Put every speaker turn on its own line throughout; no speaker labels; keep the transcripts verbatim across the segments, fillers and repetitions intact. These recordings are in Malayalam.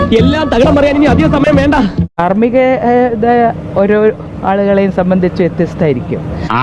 എല്ലാം തകിടം പറയാൻ ഇനി അധികം സമയം വേണ്ട.
ധാർമ്മിക ഓരോ ആളുകളെയും സംബന്ധിച്ച് വ്യത്യസ്തമായിരിക്കും.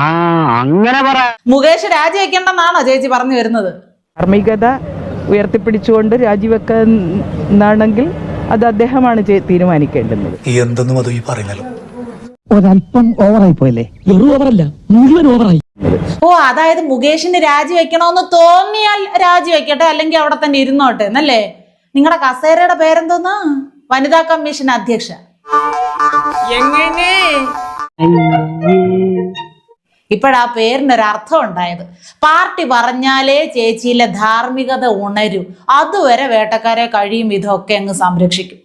മുകേഷ് രാജിവെക്കണ്ടെന്നാണോ ചേച്ചി പറഞ്ഞു വരുന്നത്?
ധാർമ്മികത ഉയർത്തിപ്പിടിച്ചുകൊണ്ട് രാജിവെക്കുന്നാണെങ്കിൽ അത് അദ്ദേഹമാണ് തീരുമാനിക്കേണ്ടുന്നത്.
എന്തെന്നും അത് ഈ പറയുന്നല്ലോ
ഒരല്പം ഓവറായി പോയല്ലേ? വെറും ഓവറല്ല, മുഴുവൻ ഓവറായി.
ഓ, അതായത് മുകേഷിന് രാജിവെക്കണമെന്ന് തോന്നിയാൽ രാജിവെക്കട്ടെ, അല്ലെങ്കിൽ അവിടെ തന്നെ ഇരുന്നോട്ടെ എന്നല്ലേ? നിങ്ങളുടെ കസേരയുടെ പേരെന്തോന്നാ? വനിതാ കമ്മീഷൻ അധ്യക്ഷ. എങ്ങനെ ഇപ്പോഴാ പേരിനൊരർത്ഥം ഉണ്ടായത്. പാർട്ടി പറഞ്ഞാലേ ചേച്ചിയിലെ ധാർമ്മികത ഉണരൂ. അതുവരെ വേട്ടക്കാരെ കഴിയും ഇതൊക്കെ അങ്ങ് സംരക്ഷിക്കും.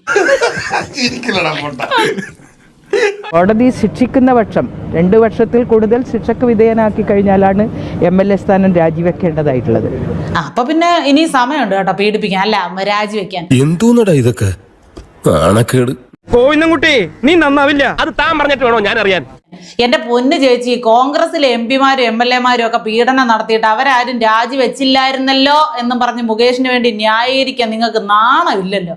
കോടതി ശിക്ഷിക്കുന്ന പക്ഷം രണ്ടു വർഷത്തിൽ കൂടുതൽ ശിക്ഷക്ക് വിധേയനാക്കി കഴിഞ്ഞാലാണ് എം എൽ എ സ്ഥാനം രാജിവെക്കേണ്ടതായിട്ടുള്ളത്.
അപ്പൊ പിന്നെ ഇനി സമയമുണ്ട് കേട്ടോ പീഡിപ്പിക്കാൻ, അല്ല രാജിവെക്കാൻ.
എന്തോന്നടാ ഇതൊക്കെ നാണക്കേട്.
കോവിന്ദൻകുട്ടി, നീ നന്നാവില്ല. അത് താൻ പറഞ്ഞിട്ട് വേണോ ഞാൻ അറിയാൻ?
എന്റെ പൊന്ന് ചേച്ചി, കോൺഗ്രസിലെ എം പിമാരും എം എൽ എമാരും ഒക്കെ പീഡനം നടത്തിയിട്ട് അവരാരും രാജിവെച്ചില്ലായിരുന്നല്ലോ എന്നും പറഞ്ഞ് മുകേഷിന് വേണ്ടി ന്യായീകരിക്കാൻ നിങ്ങൾക്ക് നാണമില്ലല്ലോ.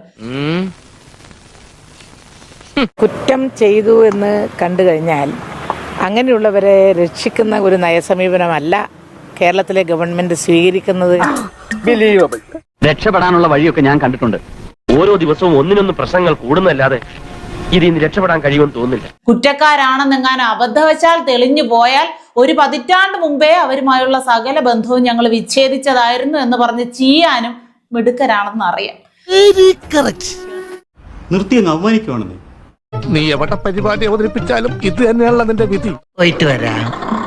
കുറ്റം ചെയ്തു എന്ന് കണ്ടു കഴിഞ്ഞാൽ അങ്ങനെയുള്ളവരെ രക്ഷിക്കുന്ന ഒരു നയസമീപനമല്ല കേരളത്തിലെ ഗവൺമെന്റ് സ്വീകരിക്കുന്നത്.
രക്ഷപ്പെടാനുള്ള വഴിയൊക്കെ ഞാൻ കണ്ടിട്ടുണ്ട്. ഓരോ ദിവസവും ഒന്നിനൊന്ന് പ്രശ്നങ്ങൾ കൂടുന്നല്ലാതെ ഇതിന് രക്ഷപ്പെടാൻ കഴിയുമെന്ന് തോന്നുന്നില്ല.
കുറ്റക്കാരാണെന്നെങ്ങാനും അബദ്ധവശാൽ തെളിഞ്ഞു പോയാൽ ഒരു പതിറ്റാണ്ട് മുമ്പേ അവരുമായുള്ള സകല ബന്ധവും ഞങ്ങൾ വിച്ഛേദിച്ചതായിരുന്നു എന്ന് പറഞ്ഞ് ചെയ്യാനും മിടുക്കരാണെന്ന് അറിയാം.
നിർത്തി അങ്ങ് അവമാനിക്കുവാണെന്ന്.
നീ എവിടെ പരിപാടി അവതരിപ്പിച്ചാലും ഇത് തന്നെയാണല്ലോ നിന്റെ വിധി.
പോയിട്ട് വരാം.